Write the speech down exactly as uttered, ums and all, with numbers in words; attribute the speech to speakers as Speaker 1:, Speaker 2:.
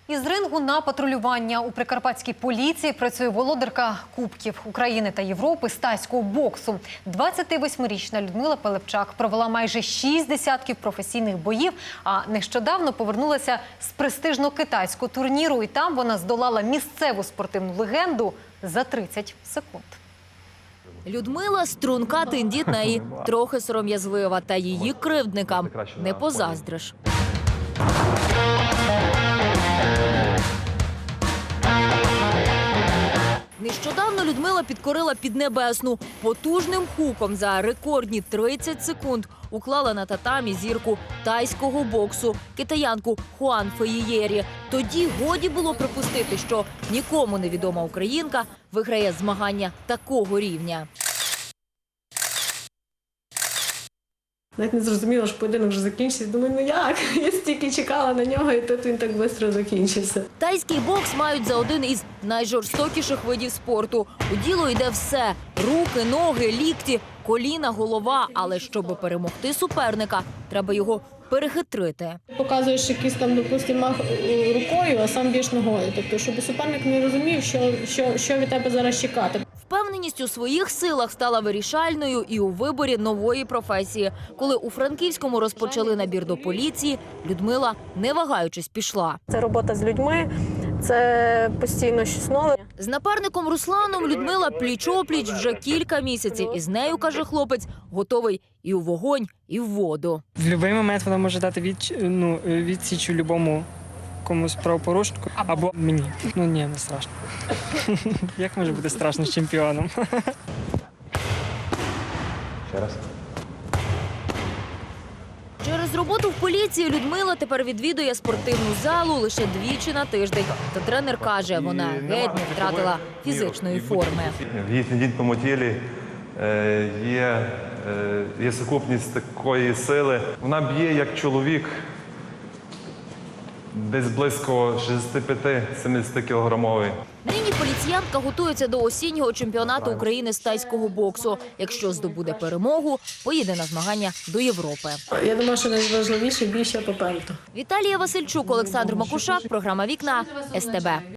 Speaker 1: Із рингу на патрулювання у прикарпатській поліції працює володарка Кубків України та Європи з тайського боксу. двадцятивосьмирічна Людмила Пилипчак провела майже шість десятків професійних боїв, а нещодавно повернулася з престижного китайського турніру. І там вона здолала місцеву спортивну легенду за тридцять секунд.
Speaker 2: Людмила – струнка, тендітна і трохи сором'язлива. Та її кривдникам не позаздриш. Нещодавно Людмила підкорила Піднебесну. Потужним хуком за рекордні тридцять секунд уклала на татамі зірку тайського боксу – китаянку Хуан Феїєрі. Тоді годі було припустити, що нікому невідома українка виграє змагання такого рівня.
Speaker 3: Навіть не зрозуміла, що поєдинок вже закінчився. Думаю, ну як? Я стільки чекала на нього, і тут він так швидко закінчився.
Speaker 2: Тайський бокс мають за один із найжорстокіших видів спорту. У діло йде все – руки, ноги, лікті, коліна, голова. Але щоб перемогти суперника, треба його перехитрити.
Speaker 3: Показуєш якийсь там, допустимо, мах рукою, а сам б'єш ногою. Тобто, щоб суперник не розумів, що, що, що від тебе зараз чекати.
Speaker 2: Впевненість у своїх силах стала вирішальною і у виборі нової професії. Коли у Франківському розпочали набір до поліції, Людмила, не вагаючись, пішла.
Speaker 3: Це робота з людьми, це постійно щось нове.
Speaker 2: З напарником Русланом Людмила пліч-опліч вже кілька місяців. І з нею, каже хлопець, готовий і у вогонь, і в воду.
Speaker 4: В будь-який момент вона може дати від, ну, відсіч любому комусь правопорушнику або мені. Ну ні, не страшно. Як може бути страшно з чемпіоном?
Speaker 5: Ще раз.
Speaker 2: Через роботу в поліції Людмила тепер відвідує спортивну залу лише двічі на тиждень. Та тренер каже, вона геть не втратила фізичної форми.
Speaker 5: В її тендітному тілі е, є, е, є сукупність такої сили. Вона б'є як чоловік десь близько шістдесят п'ять - сімдесят кілограмовий.
Speaker 2: Нині поліціянтка готується до осіннього чемпіонату України з тайського боксу. Якщо здобуде перемогу, поїде на змагання до Європи.
Speaker 3: Я думаю, що найважливіше – більше попереду.
Speaker 2: Віталія Васильчук, Олександр Макушак, програма «Вікна», ес те бе.